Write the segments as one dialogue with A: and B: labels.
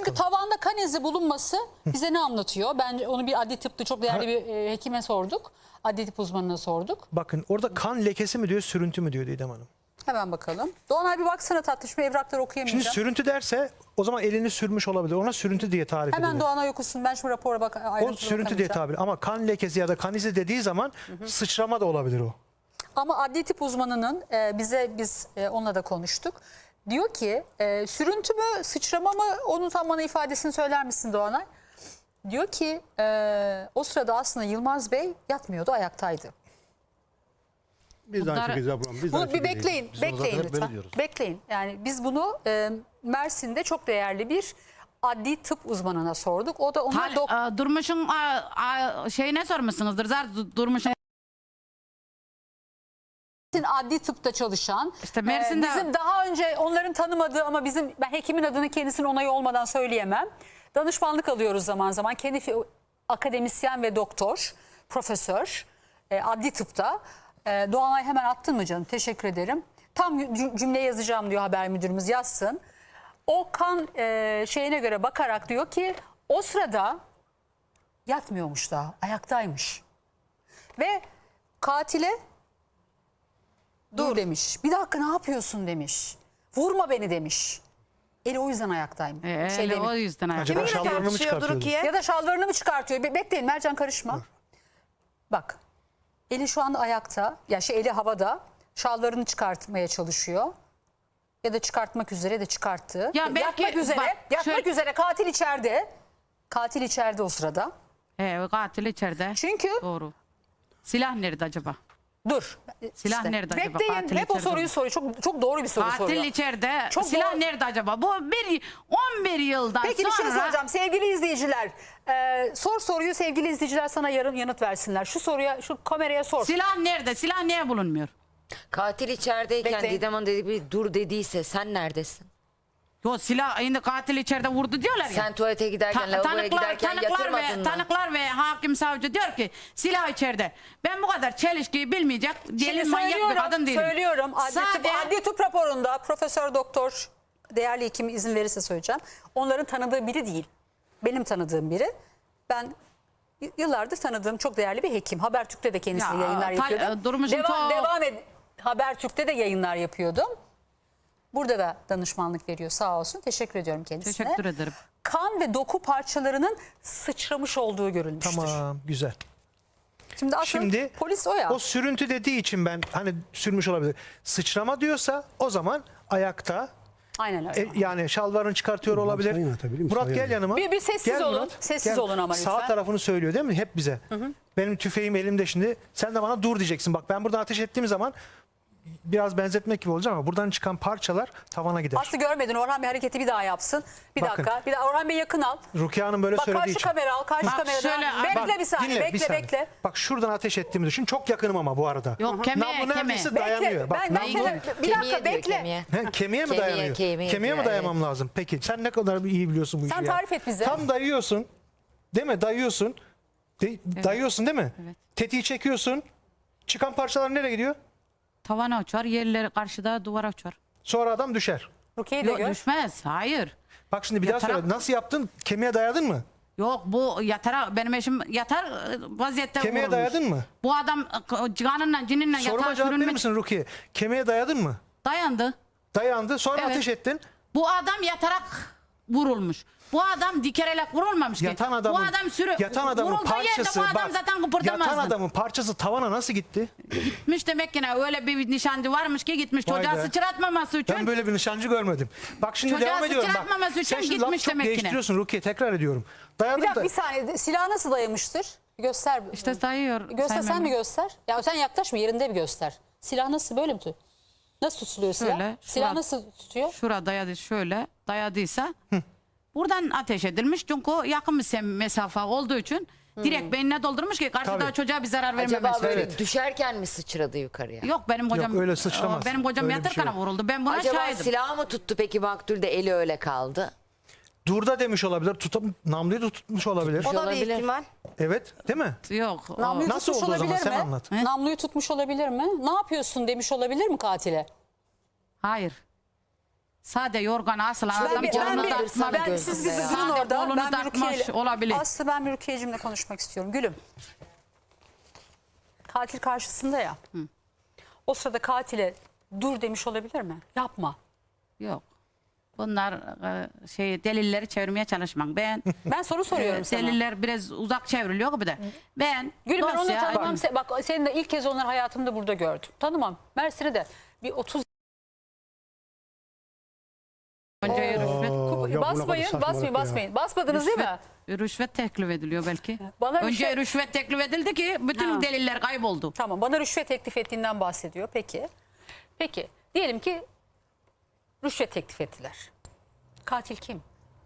A: Çünkü tavanda kan izi bulunması bize ne anlatıyor? Ben onu bir adli tıpta çok değerli bir hekime sorduk. Adli tıp uzmanına sorduk.
B: Bakın orada kan lekesi mi diyor, sürüntü mü diyor Didem Hanım.
A: Hemen bakalım. Doğan abi baksana tatlış, evrakları okuyamayacağım.
B: Şimdi sürüntü derse o zaman elini sürmüş olabilir. Ona sürüntü diye tarif edilir.
A: Hemen Doğan abi okusun. Ben şu rapora bak.
B: O sürüntü diye tabir. Ama kan lekesi ya da kan izi dediği zaman sıçrama da olabilir o.
A: Ama adli tıp uzmanının biz onunla da konuştuk. Diyor ki sürüntü mü sıçrama mı, onun tam bana ifadesini söyler misin Doğanay? Diyor ki o sırada aslında Yılmaz Bey yatmıyordu, ayaktaydı.
C: Biz de aynı şekilde yapalım. Biz de
A: Bunu
C: aynı
A: bir
C: şekilde
A: bekleyin,
C: Biz onu zaten
A: bekleyin
C: hep böyle
A: lütfen.
C: diyoruz.
A: Bekleyin. Yani biz bunu Mersin'de çok değerli bir adli tıp uzmanına sorduk. O da ona
D: Durmuş'un şeyine sormuşsunuzdur. Durmuş'un
A: adli tıpta çalışan,
D: İşte Mersin'de
A: bizim daha önce onların tanımadığı ama ben hekimin adını kendisinin onayı olmadan söyleyemem. Danışmanlık alıyoruz zaman zaman. Kendi akademisyen ve doktor, profesör adli tıpta. Doğanay hemen attın mı canım? Teşekkür ederim. Tam cümle yazacağım diyor haber müdürümüz, yazsın. O kan şeyine göre bakarak diyor ki o sırada yatmıyormuş daha, ayaktaymış. Ve katile dur demiş. Bir dakika ne yapıyorsun demiş. Vurma beni demiş. Eli o yüzden ayaktaymış.
D: o yüzden
B: Acaba şalvarını mı çıkartıyordu?
A: Ya da şalvarını mı çıkartıyor? Bekleyin Mercan, karışma. Bak. Eli şu anda ayakta. Ya eli havada. Şalvarını çıkartmaya çalışıyor. Ya da çıkartmak üzere de çıkarttı.
D: Ya belki,
A: yatmak üzere katil içeride. Katil içeride o sırada.
D: Katil içeride.
A: Çünkü
D: Doğru. Silah nerede acaba?
A: dur.
D: Silah nerede acaba?
A: Bekleyin.
D: Katil
A: Hep o
D: içeride
A: soruyu
D: mi?
A: soruyor. Çok doğru bir soru
D: Katil
A: soruyor.
D: içeride.
A: Çok
D: Silah
A: doğru.
D: nerede acaba? Bu 11 yıldan
A: Peki
D: sonra.
A: bir şey soracağım sevgili izleyiciler. Sor soruyu, sevgili izleyiciler sana yarın yanıt versinler. Şu soruya, şu kameraya sor.
D: Silah nerede? Silah niye bulunmuyor?
E: Katil içerideyken
A: Bekleyin.
E: Didem Hanım dedi bir dur dediyse sen neredesin?
D: Yo silah şimdi katil içeride vurdu diyorlar ya.
E: Sen tuvalete giderken, lavaboya giderken yatırmadın mı?
D: Tanıklar ve hakim savcı diyor ki silah içeride. Ben bu kadar çelişkiyi bilmeyecek gelin manyak bir kadın değilim.
A: Söylüyorum.
D: Sade-
A: Adli tıp raporunda Profesör Doktor değerli hekim izin verirse söyleyeceğim. Onların tanıdığı biri değil. Benim tanıdığım biri. Ben yıllardır tanıdığım çok değerli bir hekim. Habertürk'te de kendisi
D: Ya,
A: yayınlar yapıyordu.
D: Durmuş'un
A: Devam et. Habertürk'te de yayınlar yapıyordum. Burada da danışmanlık veriyor sağ olsun. Teşekkür ediyorum kendisine.
D: Teşekkür ederim.
A: Kan ve doku parçalarının sıçramış olduğu görülmüştür.
B: Tamam, güzel.
A: Şimdi aslında polis o ya.
B: O sürüntü dediği için ben hani sürmüş olabilir. Sıçrama diyorsa o zaman ayakta,
A: Aynen öyle.
B: yani şalvarını çıkartıyor olabilir.
C: sayın atabilir miyim?
B: Murat
C: Sayın.
B: gel yanıma.
A: Bir sessiz
B: Gel
A: olun.
B: Murat,
A: Sessiz
B: gel.
A: olun ama lütfen.
B: Sağ tarafını söylüyor değil mi? Hep bize. Benim tüfeğim elimde şimdi. Sen de bana dur diyeceksin. Bak ben buradan ateş ettiğim zaman biraz benzetmek gibi olacak ama buradan çıkan parçalar tavana gider.
A: Aslı görmedin. Orhan Bey hareketi bir daha yapsın. Bir
B: Bakın.
A: dakika. Bir daha Orhan Bey yakın al.
B: Rukiye Hanım böyle
A: Bak
B: söylediği
A: karşı
B: için.
A: kamera al. Karşı
D: Bak
A: kamera.
D: şöyle,
A: Bekle
D: bak,
A: bir saniye.
B: Dinle, bir saniye.
A: Bekle.
B: Bak şuradan ateş ettiğimi düşün. Çok yakınım ama bu arada.
D: Yok, kemiğe,
B: Namlu neredeyse dayanıyor.
A: Bekle.
B: Bak,
A: Ben
B: namlu...
A: bir
E: Kemiğe
A: dakika
E: diyor,
A: bekle.
E: kemiğe.
B: Kemiğe mi
E: Kemiğe,
B: dayanıyor?
E: kemiğe
B: Kemiğe mi
E: diyor,
B: dayamam lazım? Peki sen ne kadar iyi biliyorsun bu işi
A: Sen
B: ya.
A: tarif et bize.
B: Tam dayıyorsun. Değil mi? Dayıyorsun. Dayıyorsun değil mi?
D: Evet.
B: Tetiği çekiyorsun. Çıkan parçalar nereye gidiyor?
D: Tavana uçar, yerleri karşıda duvara uçar.
B: Sonra adam düşer.
A: Rukiye'yi de
D: Yok
A: gör.
D: düşmez, hayır.
B: Bak şimdi bir daha
D: Yatarak-
B: söyle. Nasıl yaptın? Kemiğe dayadın mı?
D: Yok bu yatarak benim eşim yatar vaziyette
B: Kemiğe
D: vurulmuş.
B: dayadın mı?
D: Bu adam canınla cininle
B: Soruma
D: yatağa
B: cevap verir
D: sürünmek
B: misin Rukiye? Kemiğe dayadın mı?
D: dayandı.
B: Dayandı. Sonra
D: Evet.
B: ateş ettin.
D: Bu adam yatarak vurulmuş. Bu adam dikerek vurulmamış ki.
B: Yatan adamın,
D: bu adam
B: yatan adamın
D: vurulduğu yerde
B: parçası
D: bu adam
B: bak.
D: zaten kıpırdamazdı.
B: Yatan adamın parçası tavana nasıl gitti?
D: Gitmiş demek ki ne, öyle bir nişancı varmış ki gitmiş
B: Vay
D: çocuğa
B: be.
D: sıçratmaması için.
B: Ben böyle bir nişancı görmedim. Bak şimdi
D: Çocuğa
B: devam ediyorum. Bak.
D: sıçratmaması için
B: Sen şimdi
D: gitmiş
B: lafı çok
D: demek ki ne?
B: değiştiriyorsun Rukiye. Tekrar ediyorum.
A: Bir
B: Dayadım
A: dakika
B: da.
A: bir saniye. Silahı nasıl dayamıştır? Göster.
D: İşte dayıyor.
A: Göster
D: Sayın
A: sen mi
D: Mehmet.
A: göster? Ya sen yaklaşma, yerinde bir göster. Silah nasıl, böyle mi? Nasıl tutuluyor silah?
D: Şöyle,
A: Silah
D: şurada-
A: nasıl tutuyor?
D: Şurada dayadı, şöyle dayadıysa buradan ateş edilmiş. Çünkü yakın bir mesafe olduğu için direkt beynine doldurmuş ki karşıda
B: Tabii.
D: çocuğa bir zarar
E: Acaba
D: vermemesi.
E: böyle
B: Evet.
E: düşerken mi sıçradı yukarıya?
D: Yok benim kocam
B: öyle sıçramaz.
D: benim kocam
B: Öyle bir şey
D: yatırken
B: yok.
D: vuruldu. Ben buna
E: Acaba
D: şahidim.
E: silah mı tuttu peki Maktul de eli öyle kaldı?
B: Durda demiş olabilir. Namluyu da tutmuş olabilir.
E: O da bir ihtimal.
B: Evet, değil mi?
D: Yok. o-
A: Namluyu
B: Nasıl
A: tutmuş
B: oldu o zaman?
A: olabilir
B: Sen
A: mi?
B: anlat.
A: Namluyu tutmuş olabilir mi? Ne yapıyorsun demiş olabilir mi katile?
D: Hayır. Sade yorganı asılan
A: Ben
D: adam
A: bir-
E: canını
D: kolunu
E: bir-
D: takmak.
E: ben-
A: Ben siz bir
E: gözünde ya.
A: durun
D: Sade
A: orada.
D: kolunu
A: Ben bir
D: takmış
A: Rukiye
D: olabilir.
A: Aslı ben bir Rukiye'cimle konuşmak istiyorum. Gülüm. Katil karşısında ya. O sırada katile dur demiş olabilir mi? Yapma.
D: Yok. Bunlar delilleri çevirmeye çalışmak. Ben
A: Ben soru soruyorum sana.
D: deliller biraz uzak çevriliyor gibi de. Ben
A: Gülüm ben onu
D: dosya-
A: tanımam. Bak seni de ilk kez onları hayatımda burada gördüm. Tanımam. Mersin'e de bir 30
D: Önce rüşvet,
C: Ya bu ne kadar
A: basmayın,
C: saçmalık
A: basmayın,
C: ya.
A: basmayın. Basmadınız değil mi?
D: rüşvet teklif ediliyor belki.
A: Bana
D: Önce rüşvet teklif edildi ki bütün
A: Ha.
D: deliller kayboldu.
A: Tamam, bana rüşvet teklif ettiğinden bahsediyor. Peki. Peki. Diyelim ki rüşvet teklif ettiler. Katil kim?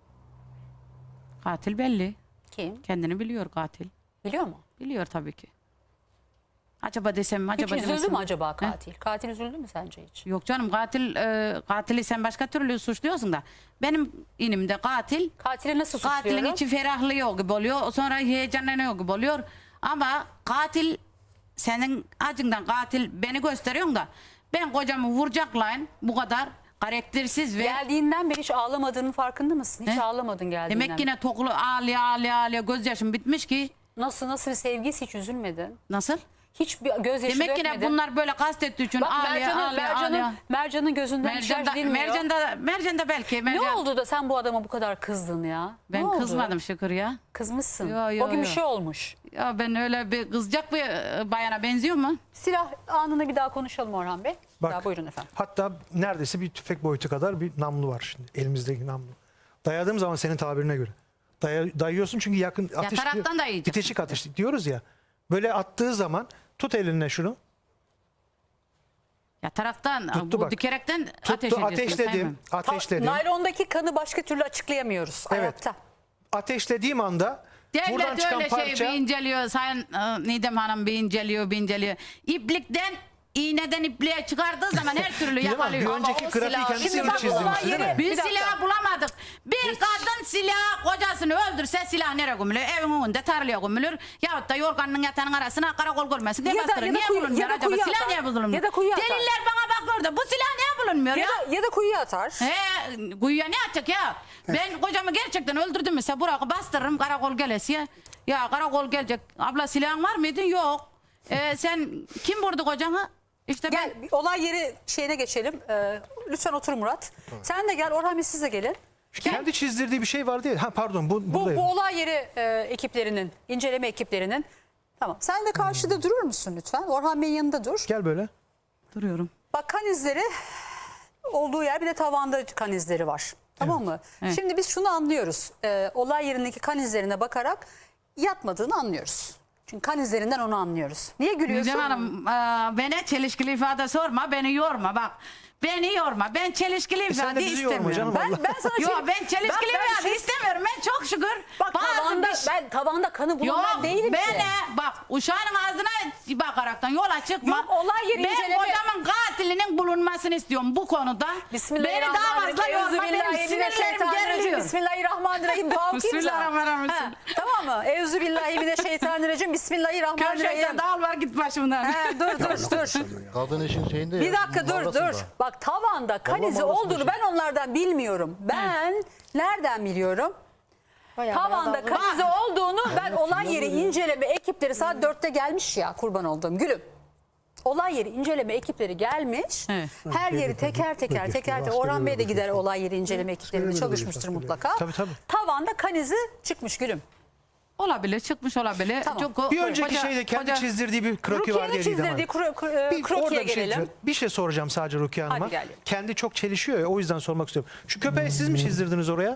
D: Katil belli.
A: Kim?
D: Kendini biliyor katil.
A: Biliyor mu?
D: Biliyor tabii ki. Acaba desem mi?
A: Hiç
D: Acaba
A: üzüldü
D: demesem
A: mü
D: mi?
A: acaba katil? Katil üzüldü mü sence hiç?
D: Yok canım katili sen başka türlü suçluyorsun da. Benim inimde katil
A: Katili nasıl
D: katilin
A: suçluyorum?
D: içi ferahlıyor gibi oluyor. Sonra heyecanlanıyor gibi oluyor. Ama katil senin acından katil beni gösteriyorsun da ben kocamı vuracaklayın bu kadar karaktersiz ve
A: Geldiğinden beri hiç ağlamadığının farkında mısın? Hiç
D: He?
A: ağlamadın geldiğinden
D: demek yine toklu ağlaya gözyaşım bitmiş ki
A: Nasıl bir sevgisi hiç üzülmedin?
D: nasıl?
A: Hiç bir gözyaşı
D: Demek ki
A: dökmedin.
D: ne bunlar böyle kastettiği için
A: Bak
D: ağlaya.
A: Mercan'ın gözünden hiç yaş dinmiyor.
D: Mercan da belki.
A: Ne oldu da sen bu adama bu kadar kızdın ya? Ne
D: Ben
A: oldu?
D: kızmadım şükür ya.
A: Kızmışsın.
D: Yo,
A: O gün bir
D: yo.
A: şey olmuş.
D: Ya ben öyle bir kızacak bir bayana benziyor mu?
A: Silah anını bir daha konuşalım Orhan Bey.
B: Bak.
A: Daha buyurun efendim.
B: Hatta neredeyse bir tüfek boyutu kadar bir namlu var şimdi. Elimizdeki namlu. Dayadığım zaman senin tabirine göre. Dayıyorsun çünkü yakın ateş.
D: Yataraktan dayayacaksın.
B: Bitişik ateş diyoruz ya. Böyle attığı zaman tut elinle şunu.
D: Ya taraftan
B: Tuttu
D: bu
B: bak.
D: dikerekten
B: Tuttu
D: ateş ediyorsun.
B: ateşledim.
D: Sayın.
B: Ateşledim.
A: Naylondaki kanı başka türlü açıklayamıyoruz.
B: Evet.
A: Ayakta.
B: Ateşlediğim anda buradan
D: Devlet
B: çıkan
D: öyle
B: parça
D: şey bir inceliyor. Sayın Nidem Hanım bir inceliyor. İplikten iğneden ipliğe çıkardığı zaman her türlü
B: Bilemem, bir
D: yakalıyor.
B: önceki
E: o
B: grafiği
E: silah-
B: kendisi
A: Şimdi
B: mi
A: bak,
B: çizdi
A: olay
B: değil mi?
A: yeri-
D: Biz
A: Bir dakika.
D: silah bulamadık. Bir kadın silah kocasını öldürse silah nereye gömülür? Evin önünde tarlaya gömülür. Yahut da yorganın yatağının arasına karakol görmesin diye
A: Ya da-
D: bastırır.
A: ya da
D: Niye
A: kuyu-
D: bulunmuyor
A: ya da
D: acaba?
A: kuyuya
D: Silah
A: atar.
D: niye bulunmuyor?
A: Ya da kuyuya atar.
D: Deliller bana bakıyor da bu silah niye bulunmuyor ya?
A: Ya da kuyuya atar.
D: Kuyuya ne atacak ya? Ben kocamı gerçekten öldürdüm mesela Burak'ı bastırırım karakol gelesiye. Ya karakol gelecek. Abla silahın var mıydı? Yok. Sen kim vurdu kocanı? İşte
A: Gel bir olay yeri şeyine geçelim. Lütfen otur Murat. Sen de gel Orhan Bey siz de gelin.
B: Kendi çizdirdiği bir şey vardı ya. Ha pardon
A: Bu
B: buradayım.
A: olay yeri ekiplerinin, inceleme ekiplerinin. Tamam. Sen de karşıda durur musun lütfen? Orhan Bey'in yanında dur.
B: Gel böyle.
D: duruyorum.
A: Bak kan izleri olduğu yer bir de tavanda kan izleri var. Tamam mı?
D: Evet.
A: Şimdi biz şunu anlıyoruz. Olay yerindeki kan izlerine bakarak yatmadığını anlıyoruz. Çünkü kan izlerinden onu anlıyoruz. Niye gülüyorsun?
D: Nidem Hanım bana çelişkili ifade sorma beni yorma bak. Beni yorma. Ben çelişkili
B: sen de
D: ifade
B: bizi yorma
D: istemiyorum.
B: canım.
A: Ben sana
D: Yok ben çelişkili
A: ben
D: ifade istemiyorum. Ben çok şükür.
A: Bak tavanda,
D: bir-
A: ben tavanda kanı bulan
D: Yok
A: değilim
D: ben
A: ki.
D: bak uşağın ağzına bakaraktan yola çıkma.
A: Yok, olay yeri
D: ben
A: inceleme-
D: kocamın katilinin bulunmasını istiyorum bu konuda. Beni daha fazla yorma benim sinirlerim geriliyor.
A: Bismillahirrahmanirrahim. Dua okuyayım sana.
D: Bismillahirrahmanirrahim.
A: Ha, tamam mı? Euzubillahimineşşeytanirracim. Bismillahirrahmanirrahim.
D: Köşekten dağıl var git başımdan.
A: He, dur.
C: Kadın işin şeyinde
A: Bir
C: ya,
A: dakika dur.
C: mağarasında.
A: Bak tavanda kan izi
C: mağarasında
A: olduğunu
C: şey.
A: ben onlardan bilmiyorum. Ben nereden biliyorum? Tavanda kan izi olduğunu ben olay yeri inceleme ekipleri saat 4'te gelmiş ya kurban olduğum gülüm. Olay yeri inceleme ekipleri gelmiş.
D: Evet.
A: Her yeri teker teker. Orhan Bey de gider olay yeri inceleme ekiplerinde
C: Askeriyede
A: çalışmıştır
C: görüyoruz,
A: mutlaka.
B: Tabii.
A: Tavanda kan izi çıkmış gülüm.
D: Olabilir çıkmış olabilir.
A: Tamam.
D: Çünkü
B: Bir önceki
D: koca-
B: şeyde kendi
D: koca-
B: çizdirdiği bir kroki var
A: Rukiye'nin
B: diye Didem Hanım.
A: çizdirdiği
B: Bir, orada
A: krokiye
B: bir şey,
A: gelelim.
B: bir şey soracağım sadece Rukiye Hanım'a.
A: Hadi gelelim.
B: Kendi çok çelişiyor ya o yüzden sormak istiyorum. Şu köpeği siz mi çizdirdiniz oraya?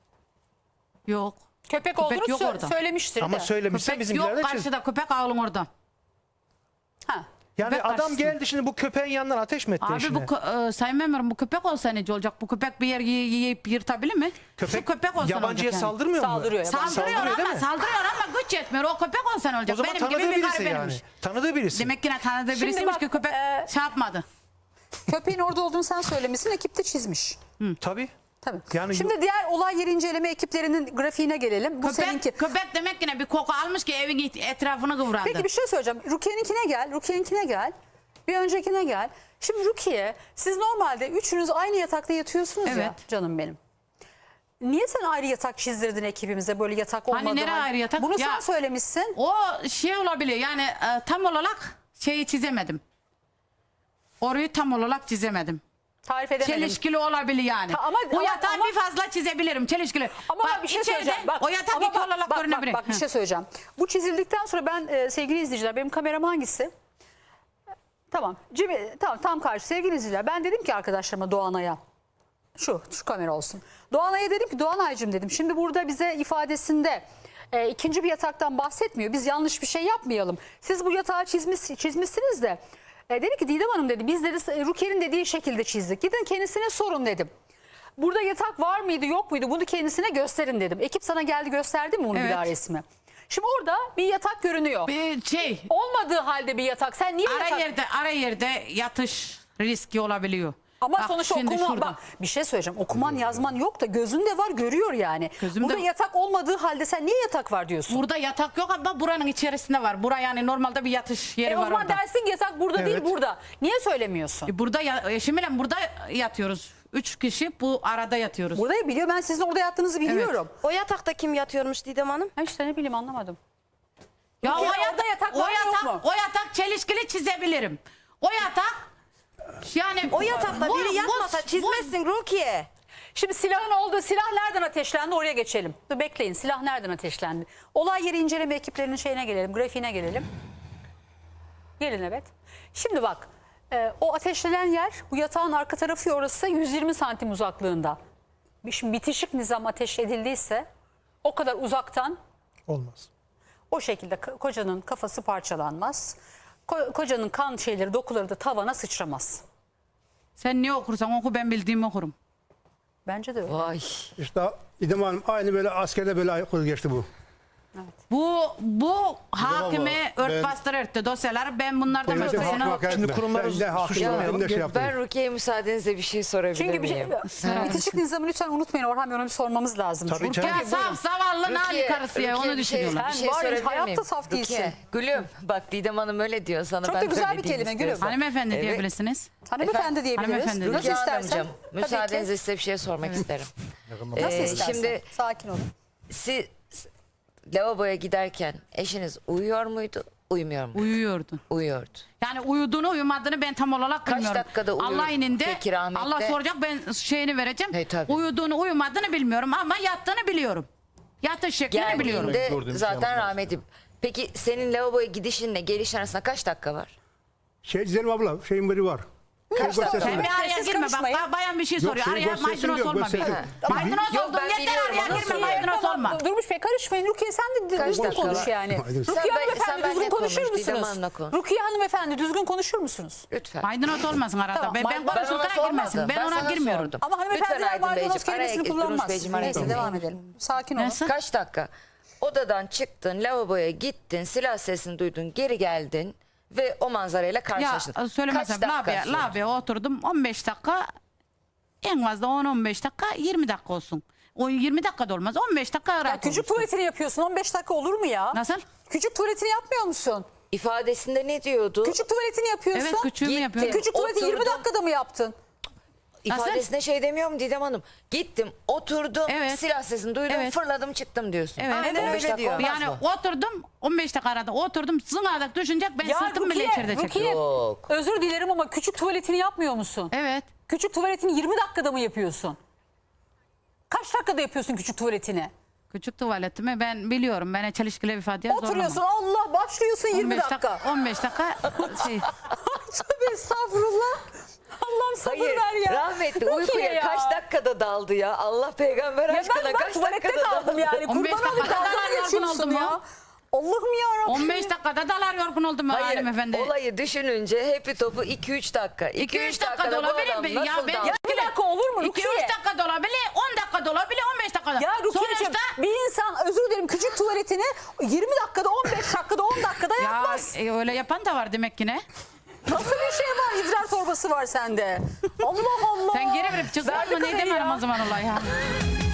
D: Yok.
A: Köpek olduğunu
D: yok orada.
A: söylemiştir
B: Ama
A: de.
B: söylemişse
D: Köpek
B: bizimkiler
D: yok
B: de çiz.
D: karşıda köpek ağlın orada.
A: Ha.
B: Yani
D: köpek
B: adam
D: karşısında.
B: geldi şimdi bu köpeğin yanından ateş mi etti
D: Abi
B: eşine?
D: Sayın Memurum bu köpek olsa nece olacak? Bu köpek bir yer yiyip yırtabilir mi? Şu köpek olsa
B: yabancıya
D: olacak yani.
B: saldırmıyor mu?
A: Saldırıyor, yabancı.
D: Saldırıyor
B: değil mi?
D: saldırıyor ama güç yetmiyor. O köpek olsa ne olacak?
B: O zaman
D: Benim gibi
B: tanıdığı
D: bir
B: birisi
D: garibenmiş.
B: yani. Tanıdığı birisi.
D: Demek ki ne tanıdığı
A: Şimdi
D: birisiymiş
A: bak,
D: ki köpek şey yapmadı.
A: Köpeğin orada olduğunu sen söylemişsin. Ekip de çizmiş.
B: Tabii.
A: Tabii.
B: Yani
A: Şimdi diğer olay yeri inceleme ekiplerinin grafiğine gelelim. Bu seninki.
D: Köpek demek ki ne bir koku almış ki evin etrafını kıvrandı.
A: Peki bir şey söyleyeceğim. Rukiye'ninkine gel. Bir öncekine gel. Şimdi Rukiye, siz normalde üçünüz aynı yatakta yatıyorsunuz ya
D: Evet.
A: canım benim. Niye sen ayrı yatak çizdirdin ekibimize, böyle yatak olmadı?
D: Hani nereye ayrı yatak?
A: Bunu
D: Ya-
A: sen söylemişsin.
D: O şey olabilir yani tam olarak şeyi çizemedim. Orayı tam olarak çizemedim.
A: Tarif edemedim.
D: Çelişkili olabilir yani. Bu yatağı
A: ama-
D: bir fazla çizebilirim. Çelişkili.
A: Ama
D: Bak,
A: bak bir şey
D: içeride
A: söyleyeceğim. Bak,
D: o yatak
A: ama
D: iki olarak görünebilir.
A: Bak bir
D: Hı.
A: şey söyleyeceğim. Bu çizildikten sonra ben sevgili izleyiciler, benim kameram hangisi? Tamam. Tamam, tam karşı sevgili izleyiciler. Ben dedim ki arkadaşlarıma, Doğanay'a. Şu kamera olsun. Doğanay'a dedim ki, Doğanay'cığım dedim. Şimdi burada bize ifadesinde ikinci bir yataktan bahsetmiyor. Biz yanlış bir şey yapmayalım. Siz bu yatağı çizmişsiniz de. Dedi ki Didem Hanım dedi, biz dedi Rukiye'nin dediği şekilde çizdik. Gidin kendisine sorun dedim. Burada yatak var mıydı yok muydu, bunu kendisine gösterin dedim. Ekip sana geldi, gösterdi mi bunu bir
D: Evet.
A: daha resmi? Şimdi orada bir yatak görünüyor.
D: Bir şey
A: Olmadığı halde bir yatak. Sen niye yatak...
D: ara yerde yatış riski olabiliyor.
A: Ama
D: Bak,
A: sonuçta
D: şimdi
A: okuma,
D: şurada.
A: bak bir şey söyleyeceğim. Okuman yazman yok da gözün de var, görüyor yani.
D: Gözümde-
A: Burada yatak olmadığı halde sen niye yatak var diyorsun?
D: Burada yatak yok ama buranın içerisinde var. Bura yani normalde bir yatış yeri
A: O
D: var
A: zaman
D: orada.
A: dersin ki yatak burada değil,
B: Evet.
A: burada. Niye söylemiyorsun?
D: Burada eşimle burada yatıyoruz. 3 kişi bu arada yatıyoruz.
A: Burada biliyor, ben sizin orada yattığınızı biliyorum.
F: O yatakta kim yatıyormuş Didem Hanım?
A: Ha işte ne bileyim, anlamadım.
D: Ya
A: Rukiye, orada yatak var mı, yok mu?
D: o yatak çelişkili çizebilirim. O yatak yani
F: O yatakta biri yatmasa çizmezsin Rukiye.
A: Şimdi silahın olduğu, silah nereden ateşlendi, oraya geçelim. Dur bekleyin, silah nereden ateşlendi? Olay yeri inceleme ekiplerinin şeyine gelelim, grafiğine gelelim. Gelin evet. Şimdi bak, o ateşlenen yer, bu yatağın arka tarafı, orası 120 santim uzaklığında. Şimdi bitişik nizam ateş edildiyse o kadar uzaktan
B: Olmaz.
A: o şekilde kocanın kafası parçalanmaz. Kocanın kan şeyleri, dokuları da tavana sıçramaz.
D: Sen ne okursan oku, ben bildiğimi okurum.
A: Bence de öyle.
E: Vay.
C: İşte İdem Hanım aynı böyle askerde böyle aykırı geçti bu.
D: Bu hakime
C: ben-
D: örtbastır etti dosyalar. Ben bunlardan
C: Devletin
D: başkasına
C: hakkını hak etme.
B: Şimdi kurumları
C: Ben de hakkını
B: suçlamayalım.
C: ben de şey yaptım.
E: Ben Rukiye'ye müsaadenizle bir şey sorabilir
A: Çünkü bir şey,
E: miyim?
A: bitişik nizamı lütfen unutmayın Orhan Bey, onu bir sormamız lazım.
B: Tabii
A: Çünkü.
B: canım.
D: Ya saf zavallı nali
E: Rukiye,
D: karısı ya,
E: Rukiye,
D: onu
E: bir şey-
D: düşünüyorlar.
A: Sen
E: Bir şey
A: var ya,
E: sorabilir
A: hayatta
E: miyim?
A: saf değilsin.
E: Rukiye, Gülüm bak Didem Hanım öyle diyor sana.
A: Çok
E: ben
A: da
E: de
A: güzel
E: öyle
A: bir
E: diyeyim
A: kelime, Gülüm.
E: istiyorsan.
D: Hanımefendi
E: Evet.
D: diyebilirsiniz.
A: Hanımefendi diyebiliriz.
D: Hanımefendi
A: Nasıl
E: Rukiye
A: istersen.
E: Hanımcığım
A: Tabii ki.
E: müsaadenizle size bir şey sormak isterim.
A: Nasıl istersen.
E: Şimdi
A: Sakin olun.
E: siz lavaboya giderken eşiniz uyuyor muydu, uyumuyor muydu?
D: Uyuyordu.
E: Uyuyordu.
D: Yani uyuduğunu uyumadığını ben tam olarak
E: Kaç
D: bilmiyorum.
E: dakikada uyuyor
D: Allah ininde
E: peki rahmetli?
D: Allah soracak, ben şeyini vereceğim.
E: He, tabii.
D: Uyuduğunu uyumadığını bilmiyorum ama yattığını biliyorum. Yatış şeklini biliyorum.
E: Geldiğinde zaten rahmetli. Peki senin lavaboya gidişinle gelişin arasında kaç dakika var?
C: Şey Zeynep abla şeyin biri var. Şey
A: dakika?
C: göstersin.
D: Sen bir araya
A: Siz
D: girme
A: karışmayın.
D: bak, bayan bir şey
C: Yok,
D: soruyor.
C: şey
D: Araya
C: göstersin
D: maydanoz
C: diyor,
D: olma
C: göstersin.
D: bir.
C: Tamam.
D: Maydanoz
E: Yok,
D: oldun
E: ben
D: yeter,
E: biliyorum,
D: araya
E: nasıl
D: girme,
E: yani?
D: maydanoz
A: Tamam,
D: olma.
A: Durmuş Bey karışmayın. Rukiye sen de
E: Kaç
A: düzgün
E: dakika
A: konuş
E: var?
A: yani.
C: Haydi.
A: Rukiye
E: Sen
A: hanımefendi
E: benle
A: düzgün konuşur
E: konuş, Didem
A: musunuz?
E: Hanım'la konuş.
A: Rukiye hanımefendi düzgün konuşur musunuz?
E: Lütfen.
D: Maydanoz olmasın arada.
A: Tamam,
D: Ben
A: ben
E: Ben ona
D: konuşurken girmesin.
E: sormadım.
D: Ben ona
E: sana
D: girmiyorum.
E: sordum.
A: Ama
E: Lütfen
A: hanımefendiler
E: Aydın
A: maydanoz
E: Beyciğim,
A: kelimesini
E: Durmuş
A: kullanmaz.
E: Beyciğim, araya
A: Neyse
E: girmeyin.
A: devam edelim. Sakin olun.
D: Neyse.
E: Kaç dakika? Odadan çıktın, lavaboya gittin, silah sesini duydun, geri geldin ve o manzarayla karşılaştın.
D: Ya söylemesem
E: Kaç dakika sürdü?
D: lavaboya oturdum 15 dakika, en fazla 10-15 dakika, 20 dakika olsun. O 20 dakika da olmaz, 15 dakika
A: Ya
D: rahat
A: küçük
D: olursun.
A: tuvaletini yapıyorsun, 15 dakika olur mu ya?
D: Nasıl?
A: Küçük tuvaletini yapmıyor musun?
E: İfadesinde ne diyordu?
A: Küçük tuvaletini yapıyorsun.
D: Evet, küçüğümü
E: Gittim.
D: yapıyorum.
A: Küçük tuvaleti 20
E: Oturdum.
A: dakikada mı yaptın?
E: İfadesinde şey demiyor mu Didem Hanım? Gittim, oturdum,
D: Evet.
E: silah sesini duydum,
D: Evet.
E: fırladım çıktım diyorsun.
D: Evet.
F: Aynen
E: 15
F: öyle
E: dakika
F: diyor.
E: olmaz
D: Yani
E: mı?
D: oturdum 15 dakika arada oturdum, zınadak düşünecek, ben sırtım bile içeride
A: Rukiye,
D: çekiyorum.
E: Yok.
A: özür dilerim ama küçük tuvaletini yapmıyor musun?
D: Evet.
A: Küçük tuvaletini 20 dakikada mı yapıyorsun? Kaç dakikada yapıyorsun küçük tuvaletini?
D: Küçük tuvaletimi ben biliyorum. Ben çelişkili bir ifadeye
A: Oturuyorsun,
D: zorlamam.
A: Allah başlıyorsun 20 dakika.
D: 15 dakika şey.
A: Tövbe estağfurullah. Allah'ım sabır
E: Hayır,
A: ver ya.
E: rahmetli
A: Rukiye
E: uykuya
A: ya.
E: kaç dakikada daldı ya? Allah peygamber
A: Ya
E: aşkına
A: ben bak
E: kaç
A: tuvalette
E: dakikada
A: kaldım
E: daldı?
A: yani.
D: 15
A: Kurban olayım,
D: dakikada
A: dalga
D: ben yorgun
A: geçiyorsun
D: oldum
A: ya.
D: ya.
A: Allah'ım yarabbim.
D: 15 dakikada dalar yorgun oldum
E: Hayır,
D: hanımefendi.
E: olayı düşününce hepi topu 2-3 dakika.
D: 2-3 dakika
E: dakikada
D: da
E: bu
D: olabilir
E: adam
D: mi?
E: nasıl
D: Ya ben
E: daldı?
A: Ya bir dakika olur mu Rukiye?
D: 2-3 dakika da olabilir, 10 dakika da olabilir, 15 dakika da.
A: Ya Rukiye'cim
D: Sonuçta
A: bir insan özür dilerim küçük tuvaletini 20 dakikada 15 dakikada 10 dakikada
D: ya
A: yapmaz.
D: öyle yapan da var demek ki ne?
A: Nasıl bir şey var, idrar torbası var sende. Allah Allah.
D: Sen geri verip çıksın
A: Verdi
D: mı? Ne
A: kamerayı
D: demem
A: ya.
D: o zaman olay ya.